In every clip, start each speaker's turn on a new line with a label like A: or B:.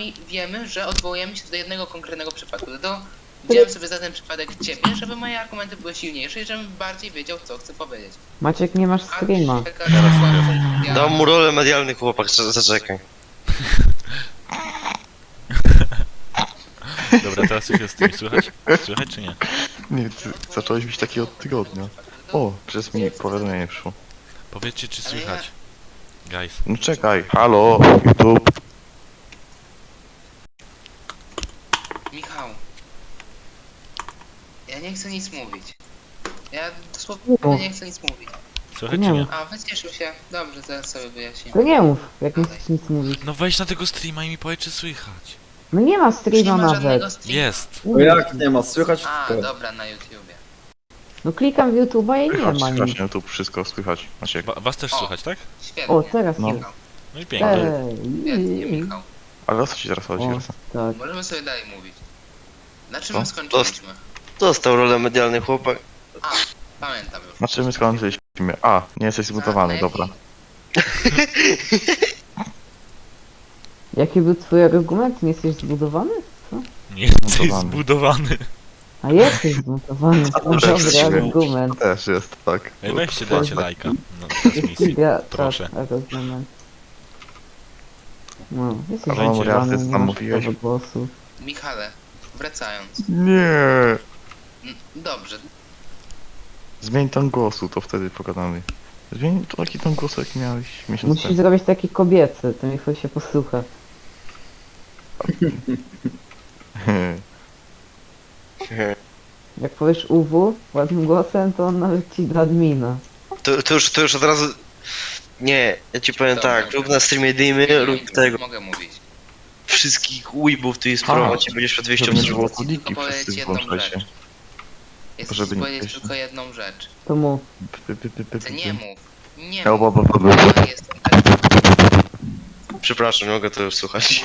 A: sami wiemy, że odwołujemy się do jednego konkretnego przypadku. Dlatego wziąłem sobie za ten przypadek ciebie, żeby moje argumenty były silniejsze i żebym bardziej wiedział, co chcę powiedzieć.
B: Maciek, nie masz streama.
C: Dam mu rolę medialny chłopak, zaczekaj.
D: Dobra, teraz już jest stream. Słychać? Słychać czy nie?
E: Nie, ty zacząłeś być taki od tygodnia. O, przez mi powiadomienie przyszło.
D: Powiedzcie czy słychać. Guys.
E: No czekaj, halo, YouTube.
A: Michał, ja nie chcę nic mówić. Ja dosłownie nie chcę nic mówić.
D: Słychać
B: Nie
D: czy nie?
B: mów.
A: A, wycieszył się. Dobrze, zaraz sobie wyjaśnię.
B: To nie mów, jak nie chcesz nic mówić.
D: No wejdź na tego streama i mi powiedz czy słychać.
B: No nie ma
A: Już nie
B: streama
A: ma żadnego
B: nawet.
A: streama.
D: Jest.
F: No jak nie ma, słychać
A: A,
F: wszystko.
A: dobra, na YouTubie.
B: No klikam w YouTube'a i nie
E: Słychać,
B: ma nic.
E: strasznie, YouTube, wszystko słychać. Maciek.
D: Was też
A: O.
D: słychać, tak?
A: Świetnie.
B: O, teraz
E: No.
B: nie.
A: Michał.
D: No i pięknie.
A: Świetnie,
B: Ej,
A: Michał.
E: Ale o co ci teraz chodzi?
B: O, tak.
A: Możemy sobie dalej mówić. Na czym
E: Co?
A: my skończyliśmy?
C: Dostał rolę medialny chłopak.
A: A, pamiętam już.
E: Na czym my skończyliśmy? A, nie jesteś zbudowany, dobra.
B: Jaki był twój argument? Nie jesteś zbudowany?
D: Nie jesteś
E: Zbudowany.
D: zbudowany.
B: A jesteś zbudowany. To
E: też
B: dobry
E: jesteśmy.
B: argument.
E: Też jest, tak.
D: Ej, weźcie, dajcie lajka. No, transmisji. Proszę.
B: Argument. No, jesteś
E: Ale mam
B: zbudowany,
E: rację, co
B: nie
E: tam
B: masz
E: mówiłeś.
B: prawa głosu.
A: Michale, wracając.
E: Nie.
A: Dobrze,
E: Zmień ton głosu, to wtedy pogadamy. Zmień taki ton głosu, jaki miałeś miesiąc
B: Musisz
E: temu.
B: zrobić taki kobiecy, to niech się posłucha. Jak powiesz UW ładnym głosem, to on nawet ci da admina.
C: To już od razu... Nie, ja ci powiem tak, rób na streamie dymy, rób tego.
A: mogę mówić.
C: Wszystkich weebów tu jest
E: A,
C: prowadzi, będziesz przed 200
E: Żeby nie było
C: obserwacji.
E: kuliki,
A: Tylko
E: wszyscy
A: powiedzieć jedną
E: włączajcie.
A: rzecz. Ja chcę
E: Żeby
A: ci
E: nie
A: powiedzieć
E: powiedzieć.
A: tylko jedną rzecz.
B: To mów.
A: Ty nie mów. Nie
E: Ja,
A: mów.
E: bo.
A: Ja jestem tak.
C: Przepraszam, nie mogę to już słuchać.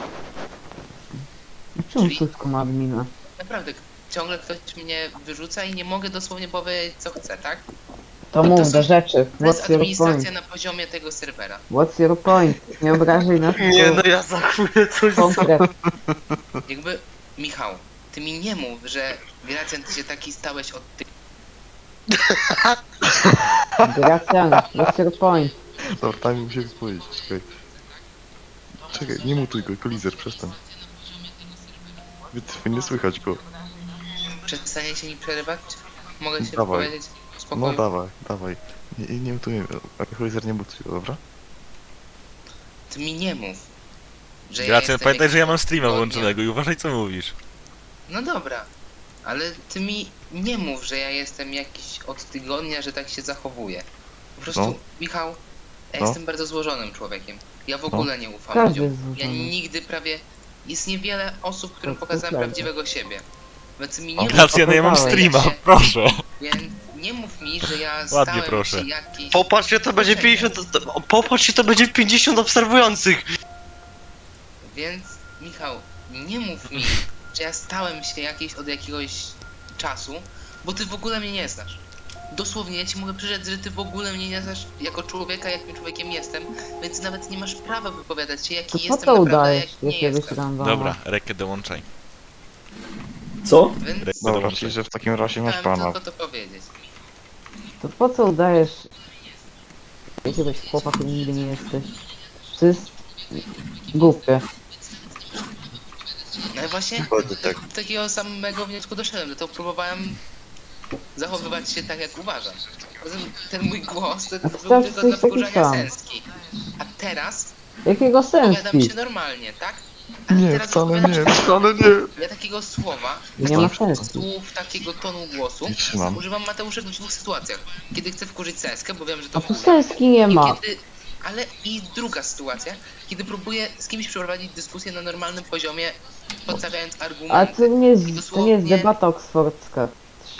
B: Czemu
A: Czyli-
B: Suszko ma admina?
A: Naprawdę, ciągle ktoś mnie wyrzuca i nie mogę dosłownie powiedzieć co chcę, tak?
B: To
A: To
B: mów
A: są-
B: do rzeczy.
A: To jest
B: What's your
A: administracja
B: point?
A: na poziomie tego serwera.
B: What's your point? Nie obrażaj nas,
C: Nie, no
B: tylko
C: ja za chwilę coś
B: konkret.
A: Jakby, Michał, ty mi nie mów, że Gracjan, ty się taki stałeś od tych...
B: Gracjan, what's your point?
E: Dobra, tam musimy powiedzieć, czekaj. Czekaj, nie mutuj go, kolizer, przestań. Nie słychać go.
A: Przestaniecie mi przerywać? Mogę się
E: Dawaj.
A: powiedzieć w
E: No
A: spokoju?
E: dawaj. Nie mutujemy, kolizer nie mutuje, dobra?
A: Ty mi nie mów, że
D: Gracjan,
A: jestem
D: pamiętaj, że ja mam
A: jakiś
D: streama
A: odgodnia.
D: włączonego i uważaj co mówisz.
A: No dobra, ale ty mi nie mów, że ja jestem jakiś od tygodnia, że tak się zachowuję. Po prostu,
E: No.
A: Michał, ja
E: No.
A: jestem bardzo złożonym człowiekiem. Ja w ogóle nie ufam
B: Każdy
A: ludziom.
B: jest
A: Ja
B: złożony.
A: nigdy prawie... Jest niewiele osób, którym
B: To
A: pokazałem
B: prawda.
A: prawdziwego siebie. Więc mi
E: O,
A: nie mów,
D: Gracjan, ja mam streama, proszę.
A: więc nie mów mi, że ja
D: Ładnie,
A: stałem
D: proszę.
A: się jakiś...
C: Popatrz, to będzie 50... Popatrz, to będzie 50 obserwujących.
A: Więc, Michał, nie mów mi, że ja stałem się jakiś od jakiegoś czasu, bo ty w ogóle mnie nie znasz. Dosłownie, ja ci mogę przyrzec, że ty w ogóle mnie nie znasz jako człowieka, jakim człowiekiem jestem, więc nawet nie masz prawa wypowiadać się, jaki
B: To po
A: jestem
B: co
A: naprawdę,
B: udajesz
A: jak nie
B: jakiegoś
A: jestem.
B: randoma?
D: Dobra, rekę dołączaj.
F: Co?
A: Więc
E: Dobra,
D: Dobra.
E: czyli że w takim razie masz
A: chciałem
E: pana.
A: tylko to powiedzieć.
B: To po co udajesz jakiegoś chłopa, który nigdy nie jesteś? To jest głupie.
A: No i właśnie
C: Dokładnie tak.
A: do takiego samego wniosku doszedłem, dlatego próbowałem zachowywać się tak, jak uważam. Poza tym ten mój głos to był
B: wciąż
A: tylko dla
B: jesteś taki
A: wkurzania
B: sam.
A: Sęski. A teraz
B: Jakiego
A: opowiadam
B: sensu?
A: się normalnie, tak? A
E: Nie,
A: teraz
E: wcale
A: opowiadam się
E: nie, wcale nie.
A: Ja takiego słowa,
B: Nie ma
A: takich
B: sensu.
A: słów, takiego tonu głosu
E: Nie trzymam.
A: używam Mateusza w dwóch sytuacjach. Kiedy chcę wkurzyć Seskę, bo wiem, że to
B: A tu
A: wkurza.
B: senski nie
A: I
B: ma.
A: kiedy, ale i druga sytuacja, kiedy próbuję z kimś przeprowadzić dyskusję na normalnym poziomie, podstawiając
B: A
A: argumenty.
B: to nie jest
A: dosłownie-
B: debata oksfordzka.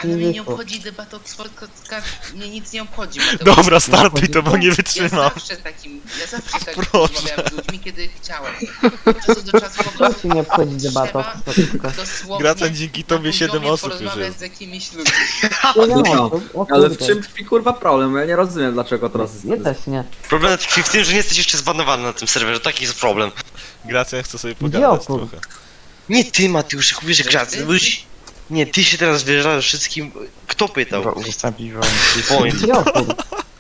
A: Ale mnie nie
B: wyszło.
A: obchodzi debata Oxford, mnie nic nie obchodzi. Mateusz.
D: Dobra, startuj, to bo nie
A: Ja
D: wytrzymam.
A: zawsze tak
D: Proszę.
A: rozmawiałem z ludźmi, kiedy chciałem. Od czasu do czasu po
B: Co
A: prostu
B: ci nie obchodzi debata?
A: trzeba dosłownie
D: Gracen, dzięki tobie
A: na
D: 7
A: poziomie
D: osób już
A: porozmawiać
D: jest.
A: z jakimiś ludźmi.
F: Ale w czym tkwi kurwa problem? Ja nie rozumiem dlaczego teraz jest.
B: Ja też nie.
C: Problem tkwi w tym, że nie jesteś jeszcze zbanowany na tym serwerze, taki jest problem.
D: Gracen chce sobie
B: Gdzie
D: pogadać
B: opór?
D: trochę.
C: Nie ty, Mateusz, jak mówisz, że gracy, byś... Nie, ty się teraz wyjeżdżasz wszystkim... Kto pytał?
E: Dobra, udostępnij wam.
C: Point.
B: Gdzie opór?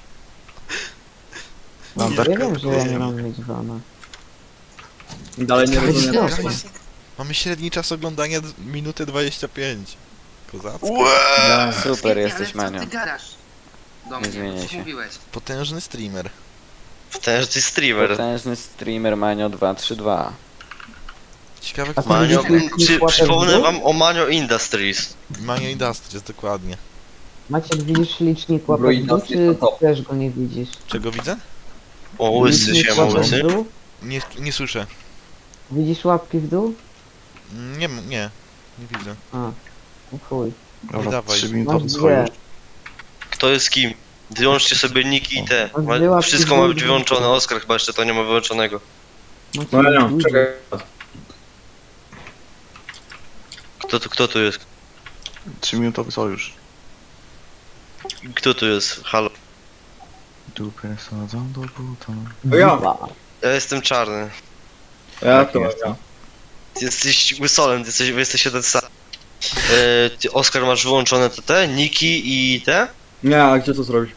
E: Mam
B: Ja
E: darkę.
B: wiem, że ja nie mam mieć wana.
F: Dalej nie
B: Gdzie
F: rozumiem.
B: opór?
D: Mamy średni czas oglądania minutę 25. Kozacko.
G: Super,
A: Świetnie,
G: jesteś
A: ale co
G: Manio.
A: ty gadasz? Do
G: Nie
A: mnie,
G: zmieniaj
A: co
G: się.
A: mówiłeś.
D: Potężny streamer.
C: Ten, że ty streamer.
G: Potężny streamer Manio 232.
D: Ciekawe,
B: A
D: kto
C: Manio,
B: widzisz,
C: przypomnę wam o Manio Industries.
D: Manio Industries, dokładnie.
B: Maciek, widzisz licznik łapek w dół, czy też go nie widzisz?
D: Czego widzę?
C: O, łysy
B: Licznik
C: się,
B: łapek w
C: łysy.
B: dół?
D: Nie słyszę.
B: Widzisz łapki w dół?
D: Nie widzę.
B: A, no chuj.
E: Dobra,
D: dawaj.
E: 3
B: Masz
E: minutowy
B: dwie.
E: sojusz.
C: Kto jest kim? Wyłączcie sobie niki i te.
B: Masz dwie łapki
C: Wszystko
B: w
C: ma
B: dół.
C: być wyłączone. Oskar chyba jeszcze to nie ma wyłączonego.
B: Maciek,
F: Manio,
B: widzisz?
F: czekaj.
C: Kto tu jest?
E: 3 minutowy sojusz.
C: Kto tu jest? Halo.
E: Dupę sadzą do buta.
F: To ja.
B: Dwa.
C: Ja jestem czarny.
F: Ja to ja.
C: Ty jesteś łysolem, wy jesteście ten sam. Ty, Oskar, masz wyłączone te niki i te?
F: Nie, a gdzie to zrobić?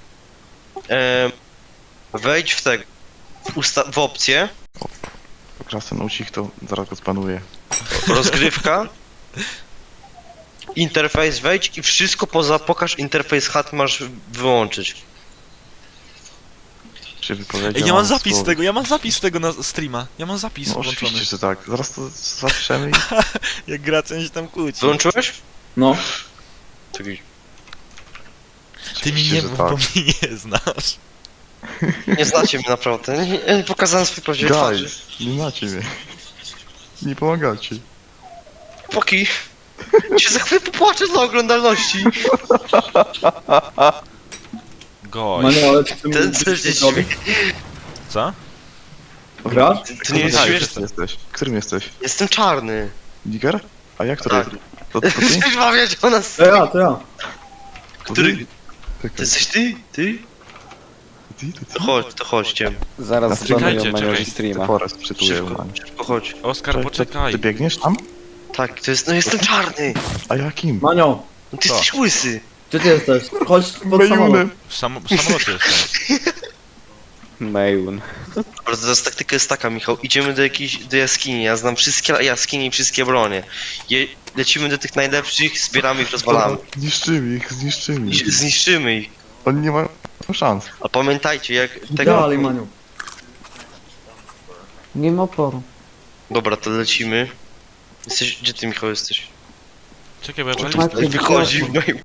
C: Wejdź w tego. W opcję.
E: Klasę ucich to zaraz go spanuję.
C: Rozgrywka. Interfejs wejdź i wszystko poza pokaż interfejs HUD masz wyłączyć.
E: Się wypowiedział.
D: Ej, ja mam zapis tego na streama. Ja mam zapis
E: No
D: włączony.
E: oczywiście, że tak. Zaraz to zapiszemy i...
D: Jak Gracen się tam kłóci.
C: Wyłączyłeś?
F: No.
C: Czekaj.
D: Ty mi
E: Oczywiście,
D: nie
E: że
D: mów,
E: tak.
D: bo mnie nie znasz.
C: Nie znacie mnie naprawdę. Nie pokazałem swój prawdziwy twarzy.
E: Guys, nie znacie mnie. Nie pomagacie.
C: Poki. Się za chwilę popłaczę dla oglądalności.
D: Gość.
F: Manio, ale czy ty
C: Ten
F: mi
C: co
F: coś
C: się
F: zrobić?
D: Co?
F: Grasz?
C: To nie jest
E: Tak,
C: śmieszne.
E: jesteś. Którym jesteś?
C: Jestem czarny.
E: Diger? A jak to
C: Tak.
E: jest? To ty?
C: Chcesz mawiać o nas?
F: To ja, to ja.
E: To
C: Który-
E: ty?
C: To
E: Czekaj,
C: jesteś ty? Ty?
E: ty?
C: To chodźcie.
G: Zaraz
D: Czekajcie,
G: zbanują Manio
D: czekaj.
G: streama.
E: Forest przytuję.
C: Szybko chodź.
D: Oskar, poczekaj.
E: Ty biegniesz tam?
C: Tak, to jest, no jestem czarny.
E: A jakim?
F: Manio,
C: No ty
D: Co?
C: jesteś łysy.
F: gdzie ty jesteś? Chodź pod samolot.
E: Mejunem.
D: W samolocie jestem.
G: Mejun.
C: Dobra, teraz taktyka jest taka, Michał. Idziemy do jaskini. Ja znam wszystkie jaskini i wszystkie bronie. Lecimy do tych najlepszych, zbieramy ich, rozwalamy.
E: Zniszczymy ich, zniszczymy ich.
C: Zniszczymy ich.
E: Oni nie mają szans.
C: A pamiętajcie, jak tego...
F: Dalej, Maniu.
B: Nie ma oporu.
C: Dobra, to lecimy. Gdzie ty, Michał, jesteś?
D: Czekaj, bo ja
B: Macie
D: czekam.
C: Wychodzi w moim